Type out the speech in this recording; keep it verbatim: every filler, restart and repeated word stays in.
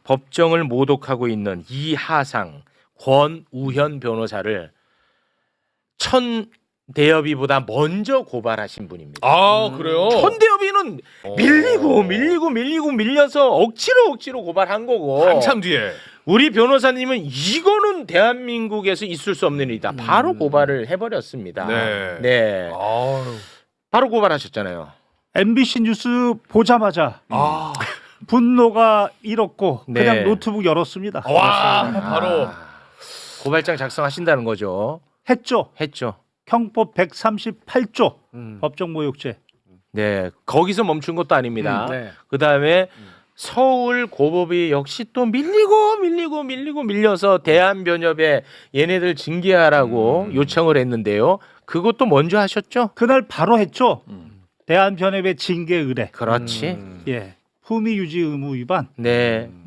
법정을 모독하고 있는 이하상, 권우현 변호사를 천 대여비보다 먼저 고발하신 분입니다. 아 그래요? 천 대여비는 밀리고 밀리고 밀리고 밀려서 억지로 억지로 고발한 거고 한참 뒤에. 우리 변호사님은 이거는 대한민국에서 있을 수 없는 일이다. 바로 고발을 해버렸습니다. 네. 네. 아유. 바로 고발하셨잖아요. 엠비씨 뉴스 보자마자 아. 분노가 일었고 네. 그냥 노트북 열었습니다. 와 바로. 아, 고발장 작성하신다는 거죠. 했죠. 했죠. 형법 백삼십팔 조 음. 법정 모욕죄. 네. 거기서 멈춘 것도 아닙니다. 음, 네. 그 다음에 서울 고법이 역시 또 밀리고 밀리고 밀리고 밀려서 대한변협에 얘네들 징계하라고 음. 요청을 했는데요. 그것도 먼저 하셨죠? 그날 바로 했죠. 대한변협의 징계 의뢰. 그렇지. 음. 예. 품위 유지 의무 위반. 네.